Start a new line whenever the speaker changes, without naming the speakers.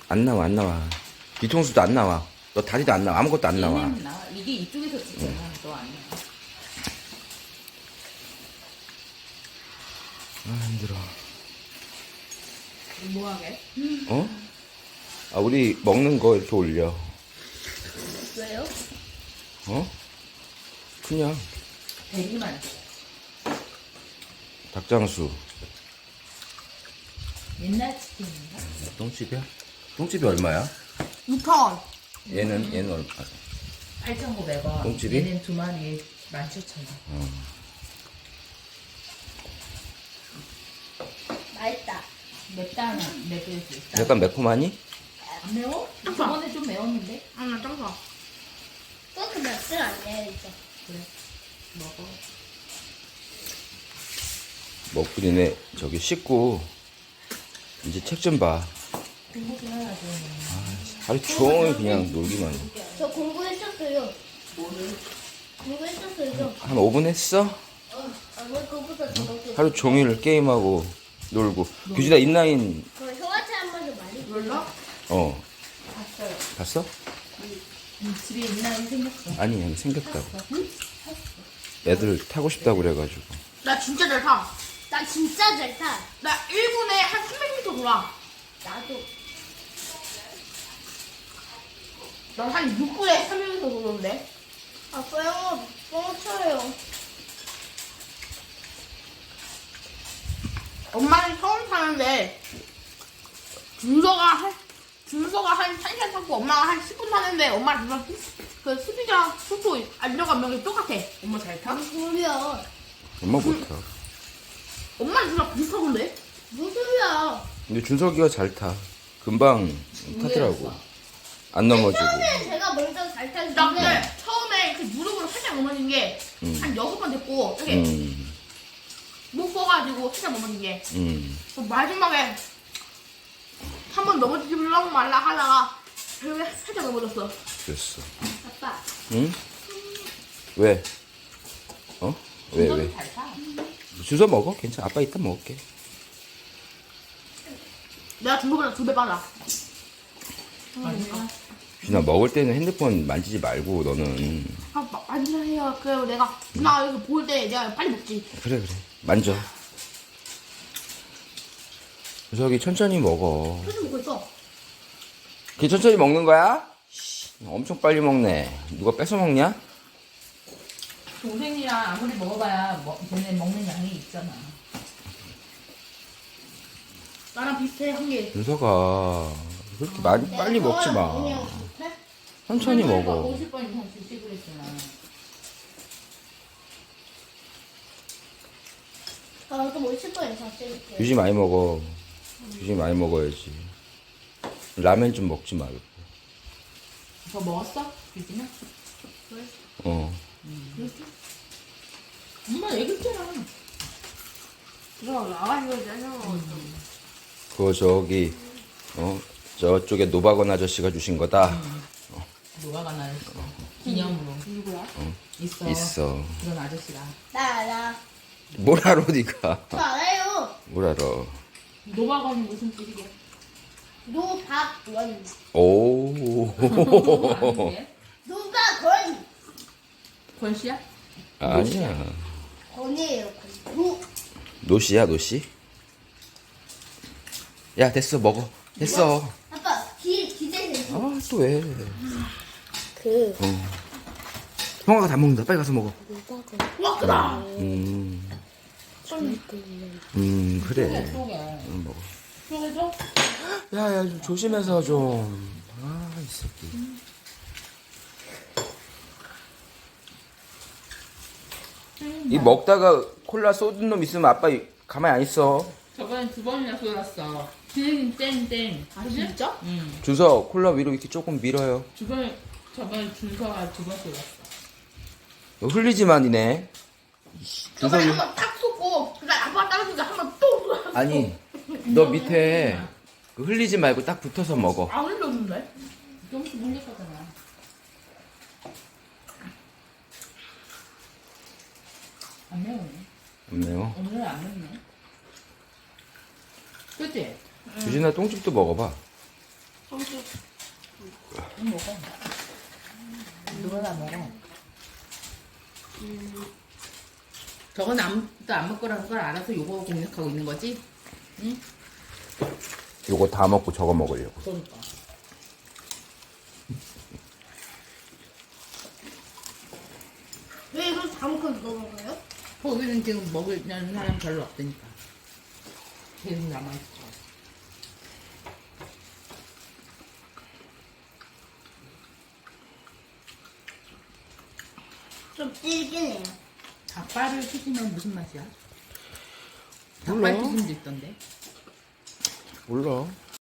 안 나와, 안 나와. 뒤통수도 안 나와. 너 다리도 안 나와. 아무것도 안 나와.
얘는 나와. 이게 이쪽에서 찍잖아. 너 안 나와.
아, 힘들어.
뭐하게?
어? 아, 우리 먹는 거 이렇게 올려.
왜요?
어? 그냥
대기만.
닭장수.
옛날 치킨인가?
똥집이야? 똥집이 얼마야?
2,000원.
얘는 얼마?
8,900원.
똥집이?
얘는 두 마리에 17,000원.
맛있다.
맵다, 맵을 수 있다.
약간 매콤하니?
안 매워? 저번에 좀 매웠는데?
나 짱좋아. 그렇게 맵진 않네, 이제.
그래. 먹어.
먹고 니네 저기 씻고 이제 책 좀 봐.
공부 좀 해야지.
하루 종일 그냥 놀기만 해.
저 공부했었어요.
뭐를?
공부했었어요.
한 5분 했어?
왜 그거보다 더 먹고.
하루 종일 게임하고 놀고. 규진아 인라인
그 형한테 한 번 좀 말해.
몰라?
어
봤어요.
봤어?
집에 있나요? 생겼어.
아니 여기 생겼다고. 애들 타고 싶다고 그래가지고.
나 진짜 잘 타. 나 진짜 잘 타. 나 1분에 한 300m 돌아. 나도. 난 한 6분에 300m 도는데. 아빠 형아, 뻥쳐요. 엄마는 처음 타는데 준서가 한 1시간 타고 엄마가 한 10분 타는데 엄마 그 스피드랑 속도 안정감 명이 똑같아. 엄마 잘 타? 무슨 소리야?
엄마 못 타.
엄마는 진짜 비슷하던데? 무슨 소리야?
근데 준석이가 잘 타. 금방 타더라고. 안 넘어지고.
처음에 제가 먼저 잘 타는데 나 근데 처음에 그 무릎으로 살짝 넘어진 게 한 6번 됐고 이렇게 못 써가지고 살짝 넘어진 게 그 마지막에 한 번 넘어지려고 말라 하다가 결국에 살짝 넘어졌어.
그랬어.
아빠
응? 왜? 어? 왜?
잘 타.
주워 먹어? 괜찮아. 아빠 이따 먹을게.
내가 중국보다 2배 빨라.
준아 먹을 때는 핸드폰 만지지 말고 너는.
아, 만져해요. 그래요. 내가 누나가 여기 볼 때 내가 빨리 먹지.
그래 만져. 준석이 천천히 먹어.
표지 먹고 있어.
걔 천천히 먹는 거야? 엄청 빨리 먹네. 누가 뺏어 먹냐?
동생이랑 아무리 먹어봐야 걔네 먹는 양이 있잖아.
나랑 비슷해 한 개.
준석아 그렇게 많이 빨리 먹지 마. 천천히 먹어.
50번 이상 주시 그랬잖아.
나도 뭐 10번 이상 찍을게.
유지 많이 먹어. 유지 많이 먹어야지. 라면 좀 먹지 말고.
더 먹었어? 유진아?
어.
엄마 얘기했잖아.
누가 나가지고 짜증나.
그거 저기 저쪽에 노박원 아저씨가 주신 거다.
누가가 나를 기념으로.
누구야?
있어.
있어.
그런 아저씨가.
나.
뭘 알아 네가?
저 알아요.
뭘 알아?
노박원이 무슨 뜻이게?
노박원.
오.
아닌데?
노박원.
권씨야?
아니야.
건이에요. 건.
노씨야 노씨? 야 됐어 먹어. 됐어.
아빠 기대해.
아 또 왜?
그
형아가 다 먹는다. 빨리 가서 먹어.
와 크다.
그래.
속에.
먹어.
속에서?
야야 좀 조심해서 좀. 아 이 새끼. 이 먹다가 콜라 쏟은 놈 있으면 아빠 가만히 안 있어.
저번에 2번이나 쏟았어. 땡.
아 진짜?
응.
주서 콜라 위로 이렇게 조금 밀어요.
저번에 준서가 2번 쏟았어.
흘리지만이네.
저번에
준석이
한번 딱 쏟고 그다음 아빠 따라주니까 한번 또 쏟았어.
아니 너 밑에 그 흘리지 말고 딱 붙어서 먹어.
안 흘렸는데?
조금씩 물렸거잖아. 안 매우네.
안 매워?
오늘은 안 맵네. 그치?
주진아 똥집도 먹어봐.
엄청
좀 먹어. 누가 다 먹어. 저건 아무도 안 먹거라는 걸 알아서 요거 공략하고 있는 거지? 응?
요거 다 먹고 저거 먹으려고.
그러니까.
왜 이걸 다 먹고 이거 먹어요?
거기는 지금 먹으려는 사람 별로 없으니까. 계속 남아있어.
좀 질기네요.
닭발을 튀기면 무슨 맛이야?
몰라.
닭발 튀김도 있던데.
몰라.